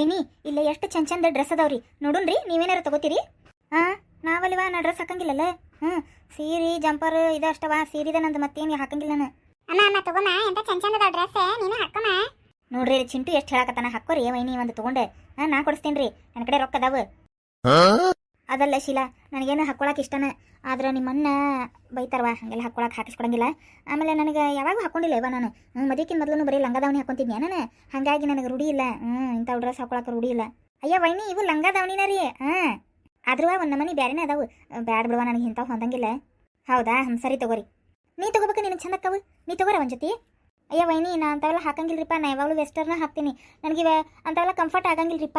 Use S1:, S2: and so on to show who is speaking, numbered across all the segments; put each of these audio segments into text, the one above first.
S1: ವೈನಿ ಇಲ್ಲ ಎಷ್ಟು ಚಂದ ಡ್ರೆಸ್ ಅದಾವ್ರಿ ನೋಡುನ್ರಿ ನೀವೇನಾರು ತಗೋತೀರಿ. ನಾವಲ್ವಾ ನಾ ಡ್ರೆಸ್ ಹಾಕಂಗಿಲ್ಲಲ್ಲ. ಸೀರೆ ಜಂಪರ್ ಇದು ಅಷ್ಟವಾ ಸೀರಿದ ನಂದು ಮತ್ತೇನು ಹಾಕಂಗಿಲ್ಲ ನಾನು.
S2: ಅಮ್ಮ ತಗೋಮ ಎಂತ ಚಂದ ಡ್ರೆಸ್ ನೀನು ಹಾಕೋಮ.
S1: ನೋಡ್ರಿ ಚಿಂಟು ಎಷ್ಟು ಹೇಳಕತ್ತಾನ ಹಾಕೋರಿ ವೈನಿ ಒಂದು ತಗೊಂಡೆ. ನಾ ಕೊಡಿಸ್ತೀನಿ ನನ್ನ ಕಡೆ ರೊಕ್ಕ ಅದಾವ. ಅದಲ್ಲ ಶೀಲಾ ನನಗೇನು ಹಾಕೊಳಕ್ಕೆ ಇಷ್ಟನ, ಆದ್ರೆ ನಿಮ್ಮನ್ನ ಬೈತಾರವಾ ಹಂಗೆಲ್ಲ ಹಾಕಿಸ್ಕೊಡಂಗಿಲ್ಲ. ಆಮೇಲೆ ನನಗೆ ಯಾವಾಗ ಹಾಕೊಂಡಿಲ್ಲ ಇವ ನಾನು ಮದುವೆಕಿನ ಮೊದಲು ಬರೀ ಲಂಗದಾವಣಿ ಹಾಕೊಂತಿದ್ನಿ ನಾನು, ಹಾಗಾಗಿ ನನಗೆ ರೂಢಿ ಇಲ್ಲ. ಇಂಥ ಡ್ರೆಸ್ ಹಾಕೊಳಕ್ಕೆ ರೂಢಿ ಇಲ್ಲ. ಅಯ್ಯ ವೈನಿ ಇವು ಲಂಗದಾವಣಿನ ರೀ. ಆದ್ರೂ ಒಂದು ನಮನಿ ಬ್ಯಾರೇನೇ ಅದಾವು. ಬ್ಯಾಡ್ ಬಿಡುವ ನನಗೆ ಇಂಥವು ಹೊಂದಂಗಿಲ್ಲ. ಹೌದಾ ಸರಿ ತಗೋರಿ. ನೀ ತಗೋಬೇಕು ನಿನಗೆ ಚಂದ ಅಕ್ಕವು, ನೀ ತಗೋರ ಒಂದು ಜೊತೆ. ಅಯ್ಯ ವೈನಿ ನಾ ಅಂಥವೆಲ್ಲ ಹಾಕಂಗಿಲ್ರಿಪ್ಪ, ನಾ ಯಾವಾಗಲೂ ವೆಸ್ಟರ್ನ ಹಾಕ್ತೀನಿ. ನನಗಿವೆ ಅಂಥವೆಲ್ಲ ಕಂಫರ್ಟ್ ಆಗಂಗಿಲ್ರಿಪ್ಪ.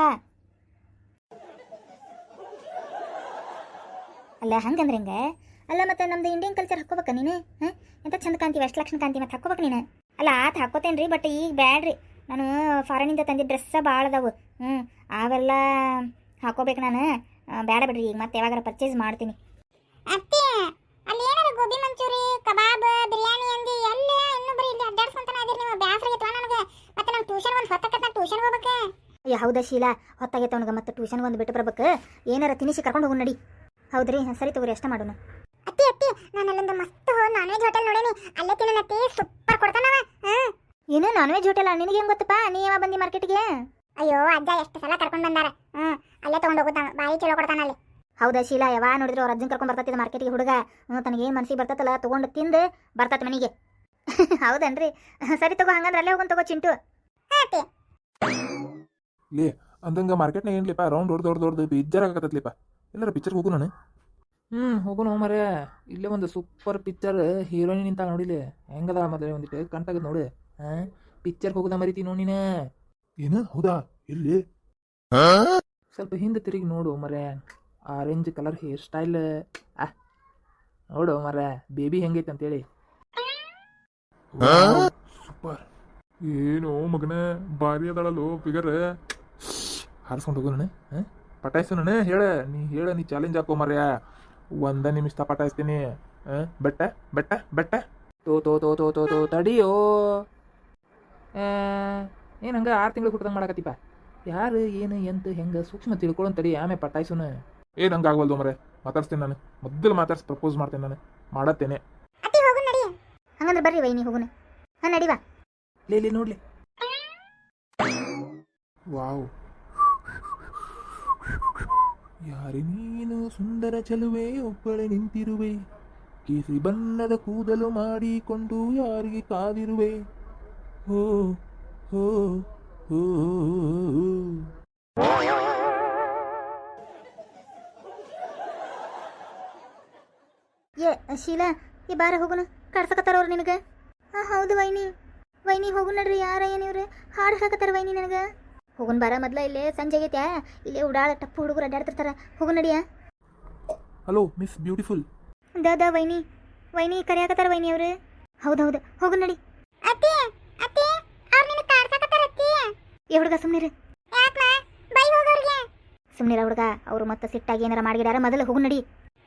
S1: ಅಲ್ಲ ಹಂಗಂದ್ರೆ ಹಿಂಗೆ ಅಲ್ಲ, ಮತ್ತೆ ನಮ್ದು ಇಂಡಿಯನ್ ಕಲ್ಚರ್ ಹಾಕೋಬೇಕ ನೀನು. ಎಂತ ಚಂದ ಕಾಂತಿ ವೆಸ್ಟ್ ಲಕ್ಷಣ ಕಾಂತಿ ಮತ್ತೆ ಹಾಕೋಬೇಕು ನೀನು. ಅಲ್ಲ ಆತ ಹಾಕೋತೇನೆ ರೀ, ಬಟ್ ಈಗ ಬ್ಯಾಡ್ರಿ. ನಾನು ಫಾರಿನಿಂದ ತಂದಿದ್ದ ಡ್ರೆಸ್ಸ ಭಾಳ ಅದಾವು. ಅವೆಲ್ಲ ಹಾಕೋಬೇಕು ನಾನು. ಬೇಡ ಬಿಡ್ರಿ, ಈಗ ಮತ್ತೆ ಯಾವಾಗಾರ ಪರ್ಚೇಸ್ ಮಾಡ್ತೀನಿ.
S2: ಅತ್ತೆ ಅಲ್ಲಿ ಏನಾರ ಗೋಬಿ ಮಂಚೂರಿ ಕಬಾಬ್ ಬಿರಿಯಾನಿ ಅಂದಿ ಎಲ್ಲ ಇನ್ನೂ ಬರೀ ಇಲ್ಲಿ ಅಡ್ಡಾಡ್ಸ್ಕೊಂತಾನೆ ಅದೀರಿ ನೀವು. ಬ್ಯಾಸರ ಆಗೈತವ ನನಗೆ. ಮತ್ತೆ ನಾನು ಟ್ಯೂಷನ್ ಒಂದು ಹೊತ್ತಕತ್ತ ಟ್ಯೂಷನ್ ಹೋಗ್ಬೇಕು.
S1: ಅಯ್ಯ ಹೌದಾ ಶೀಲಾ ಹೊತ್ತಾಗೈತೆ ಅವನಿಗೆ, ಮತ್ತೆ ಟ್ಯೂಷನ್ ಒಂದು ಬಿಟ್ಟು ಬರ್ಬೇಕು. ಏನಾರ ತಿನಿಸಿ ಕರ್ಕೊಂಡು ಹೋಗಿ ನಡಿ. ಹೌದ್ರಿ ಸರಿ ತಗೋರಿ ಅಷ್ಟ ಮಾಡೋಣ.
S2: ಅತ್ತಿ ನಾನು ಅಲ್ಲೊಂದು ಮಸ್ತ್ ನಾನ್ ವೆಜ್ ಹೋಟೆಲ್ ನೋಡೇನಿ, ಅಲ್ಲೇ ತಿನ್ನತಿ ಸೂಪರ್ ಕೊಡ್ತಾನವ.
S1: ಏನು ನಾನ್ ವೆಜ್ ಹೋಟೆಲ್ ನಿನಗೆ ಹೆಂಗ್ ಗೊತ್ತಪ್ಪ? ನೀ ಯಾವಾಗ ಬಂದಿ ಮಾರ್ಕೆಟ್ಗೆ?
S2: ಅಯ್ಯೋ ಅಜ್ಜ ಎಷ್ಟು ಸಲ ಕರ್ಕೊಂಡು ಬಂದಾರ. ಅಲ್ಲೇ ತಗೊಂಡು ಹೋಗುತ್ತಾನ, ಬಾಯಿ ಚಲೋ ಕೊಡ್ತಾನ ಅಲ್ಲಿ.
S1: ಹೌದಾ ಶೀಲಾ ಯಾವಾಗ ನೋಡಿದ್ರು ಅವ್ರ ಅಜ್ಜನ್ ಕರ್ಕೊಂಡು ಬರ್ತೈತಿ ಮಾರ್ಕೆಟ್ಗೆ ಹುಡುಗ. ತನಗೆ ಏನು ಮನಸ್ಸಿಗೆ ಬರ್ತೈತಲ್ಲ ತೊಗೊಂಡು ತಿಂದು ಬರ್ತೈತೆ ಮನೆಗೆ. ಹೌದನ್ರಿ ಸರಿ ತಗೋ, ಹಂಗಂದ್ರೆ ಅಲ್ಲೇ ಹೋಗೋಣ ತಗೋ ಚಿಂಟು.
S3: ಲೇ ಅಂದಂಗ ಮಾರ್ಕೆಟ್ನಾಗ ಏನ್ಲಿಪ್ಪ ರೌಂಡ್ ದೊಡ್ಡ ಪಿಜ್ಜರ್ ಆಗತ್ತಲಿಪ್ಪ. ಎಲ್ಲಾರ ಪಿಕ್ಚರ್ಗೆ ಹೋಗು ನಾನು.
S4: ಹೋಗೋಣ ಮರ. ಇಲ್ಲೇ ಒಂದು ಸೂಪರ್ ಪಿಕ್ಚರ್ ಹೀರೋಯಿನ್ ನಿಂತ ನೋಡಿಲಿ ಹೆಂಗದ ಮೊದಲೇ ಒಂದಿಟ್ಟು ಕಂಟಾಗದ್ ನೋಡಿ. ಪಿಕ್ಚರ್ಗೆ ಹೋಗೋದ ಮರಿತಿ ನೋಡಿ ನೀನು.
S3: ಏನು ಹೌದಾ ಎಲ್ಲಿ?
S4: ಸ್ವಲ್ಪ ಹಿಂದೆ ತಿರುಗಿ ನೋಡು ಮರೆ. ಆರೆಂಜ್ ಕಲರ್ ಹೇರ್ ಸ್ಟೈಲ್ ನೋಡು ಮರ, ಬೇಬಿ ಹೆಂಗೈತೆ ಅಂತೇಳಿ.
S3: ಸೂಪರ್. ಏನು ಮಗನ ಭಾರಿ ಅದಳಲ್ಲೋ ಫಿಗರ್. ಹಾರಿಸ್ಕೊಂಡು ಹೋಗು ನಾನು. ಪಟಾಯಿಸು ನಾನು. ನೀ ಚಾಲೆಂಜ್ ಹಾಕೋ ಮರ್ಯ. ಒಂದ ನಿಮಿಷ ಪಟಾಯಿಸ್ತೀನಿ. ಬೆಟ್ಟ ಬೆಟ್ಟ ಬೆಟ್ಟ
S4: ತೋ ತಡಿಯೋ. ಏನು ಹಂಗೆ 6 ತಿಂಗಳು ಹುಟ್ಟದಂಗೆ ಮಾಡಕತ್ತಿಪ್ಪ. ಯಾರು ಏನು ಎಂತ ಹೆಂಗೆ ಸೂಕ್ಷ್ಮ ತಿಳ್ಕೊಳ್ಳೋನ್ ತಡಿ, ಆಮೇಲೆ ಪಟಾಯಿಸುನ.
S3: ಏನು ಹಂಗೆ ಆಗವಲ್ದು ಮರೆ. ಮಾತಾಡ್ಸ್ತೀನಿ ನಾನು. ಮೊದಲು ಮಾತಾಡ್ಸಿ ಪ್ರಪೋಸ್ ಮಾಡ್ತೇನೆ ನಾನು. ಮಾಡತ್ತೇನೆ.
S1: ಹಂಗಂದ್ರೆ ಬರ್ರಿ ವೈನಿ ಹೋಗೋಣ. ನಡಿವಾ.
S4: ಲೇ ನೋಡ್ಲಿ.
S3: ವಾವ್. ಯಾರಿ ನೀನು ಸುಂದರ ಚೆಲುವೆ, ಒಬ್ಬಳೆ ನಿಂತಿರುವೆ, ಕೇಸರಿ ಬಣ್ಣದ ಕೂದಲು ಮಾಡಿಕೊಂಡು ಯಾರಿಗೆ ಕಾದಿರುವೆ. ಹೋ ಹೋ ಹೋ.
S1: ಶೀಲಾ ಈ ಬಾರ ಹೋಗುನು ಕಡ್ಸಕತ್ತಾರ ಅವ್ರು ನಿನಗೆ. ಹೌದು ವೈನಿ ಹೋಗು ನಡ್ರಿ. ಯಾರ ಏನಿವ್ರೆ ಹಾಡು ಹಾಕತ್ತಾರ ವೈನಿ ನನಗೆ. ಹೋಗುನ್ ಬಾರ ಮೊದ್ಲ. ಇಲ್ಲೇ ಸಂಜೆ ಆಗೈತ್ಯಾ, ಇಲ್ಲೇ ಉಡಾಳ ಟಪ್ಪು ಹುಡುಗರು ಅಡ್ಡಾಡ್ತಿರ್ತಾರ. ಹೋಗು ನಡಿಯ.
S3: Hello miss beautiful.
S1: ದ ವೈನಿ ಕರೆಯಾಕತ್ತಾರ ವೈನಿ ಅವ್ರು. ಹೌದು ಹೋಗು ನಡಿ. ಏ ಹುಡುಗ ಸುಮ್ನಿರ. ಸುಮ್ನಿರ ಹುಡುಗ, ಅವ್ರು ಮತ್ತೆ ಸಿಟ್ಟಾಗಿ ಏನಾರ ಮಾಡಿದಾರ. ಮೊದಲು ಹೋಗು ನಡಿ.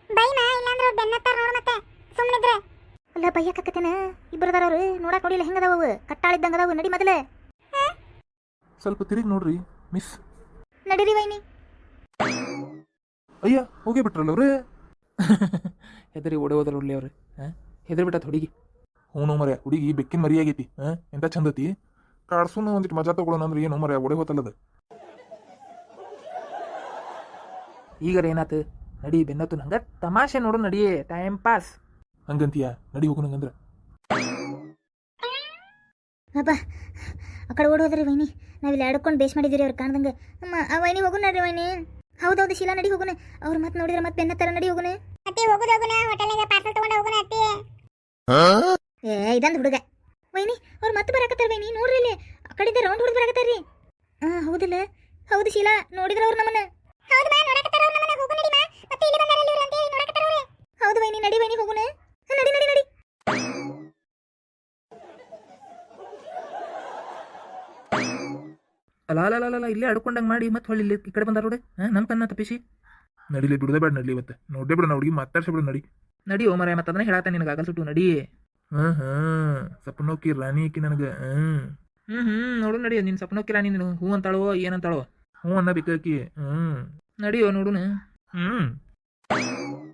S1: ಅಲ್ಲ ಬೈಯಕತ್ತೇನ ಇಬ್ಬರದಾರ ಅವ್ರು. ನೋಡಕ್ ನೋಡಿಲ್ಲ ಹೆಂಗದಾವ ಕಟ್ಟಾಳಿದ್ದಂಗ ಅದಾವು. ನಡಿ ಮೊದಲೇ.
S3: ಸ್ವಲ್ಪ ತಿರುಗಿ ನೋಡ್ರಿ ಮಿಸ್.
S1: ನಡೀರಿ ವೈನಿ.
S3: ಅಯ್ಯ ಹೋಗೇ ಬಿಟ್ರಲ್ಲ ಅವ್ರೆ.
S4: ಹೆದರಿ ಓಡೋದ್ರ ಒಳ್ಳೆ ಅವ್ರು. ಹೆದರಿ ಬಿಟ್ಟತ್ ಹುಡುಗಿ.
S3: ಹ್ಞೂ ಮರ್ಯ, ಹುಡುಗಿ ಬೆಕ್ಕಿನ ಮರಿ ಆಗೈತಿ. ಎಂತ ಚಂದತಿ. ಕಾಡ್ಸುನ ಒಂದಿಟ್ಟು ಮಜಾ ತಗೊಳ್ಳೋಣ ಅಂದ್ರೆ ಏನು ಮರ್ಯ ಒಡೆ ಹೋತಲ್ಲದ.
S4: ಈಗಾರ ಏನಾತು ನಡಿ. ಬೆನ್ನತ್ತು ನಂಗೆ ತಮಾಷೆ ನೋಡು ನಡಿ, ಟೈಮ್ ಪಾಸ್
S3: ಹಂಗಂತೀಯ? ನಡಿ ಹೋಗು ನಂಗಂದ್ರ.
S1: ಅಪ್ಪ ಆ ಕಡೆ ಓಡೋದ್ರಿ ವೈನಿ. ನಾವಿಲ್ಲಿ ಆಡ್ಕೊಂಡು ಬೇಸ್ ಮಾಡಿದಿರಿ ಅವ್ರು ಕಾಣ್ದಂಗೆ. ವೈನಿ ಹೋಗು ನಡ್ರಿ ವೈನಿ. ಹೌದೌದು ಶೀಲಾ ನಡಿ ಹೋಗುನ. ಅವ್ರು ಮತ್ತೆ ನೋಡಿದ್ರೆ ಮತ್ತೆ ಬೆನ್ನತ್ತಾರ. ನಡಿ ಹೋಗುನ. ಇದಂದು ಹುಡುಗ ವೈನಿ ಅವ್ರು ಮತ್ತೆ ಬರಾಕತ್ತಾರ ವೈನಿ. ನೋಡ್ರಿ ಇಲ್ಲಿ ಆ ಕಡೆಯಿಂದ ರೌಂಡ್ ಹೊಡೆದು ಬರಾಕತ್ತಾರ್ರಿ. ಹೌದಿಲ್ಲ? ಹೌದು ಶೀಲಾ ನೋಡಿದ್ರ ಅವ್ರು ನಮ್ಮನ್ನ. ಹೌದು ವೈನಿ. ನಡಿ ವೈನಿ ಹೋಗುನ. ನಡಿ.
S4: ಅಲ್ಲ ಇಲ್ಲೇ ಅಡ್ಕೊಂಡಂಗೆ ಮಾಡಿ ಮತ್ತೆ ಹೊಳ್ಳಿ ಈ ಕಡೆ ಬಂದಾರ ನೋಡಿ. ನಮ್ಮ ಕನ್ನ ತಪ್ಪಿಸಿ
S3: ನಡಿಲಿ ಬಿಡದೆ ಬೇಡ. ನಡ್ಲಿ ಇವತ್ತು ನೋಡೇ ಬಿಡ. ಹುಡುಗಿ ಮಾತಾಡ್ಸಿ ಬಿಡು.
S4: ನಡಿ ಓ ಮರ. ಮತ್ತೆ ಅದನ್ನ ಹೇಳತ್ತ ನಿನಗೆ ಆಗಲ್ ಸುಟ್ಟು ನಡಿ.
S3: ಸಪನೋಕಿ ರಾಣಿ ಆಕಿ ನನಗೆ.
S4: ನೋಡು ನಡಿ. ನಿನ್ನ ಸಪನೋಕಿ ರಾಣಿ ನೀನು ಹೂ ಅಂತಾಳೋ ಏನಂತಾಳೋ.
S3: ಹ್ಞೂ ಅನ್ನ ಬೇಕಾಕಿ ಹ್ಞೂ
S4: ನಡಿಯೋ ನೋಡುನು
S3: ಹ್ಞೂ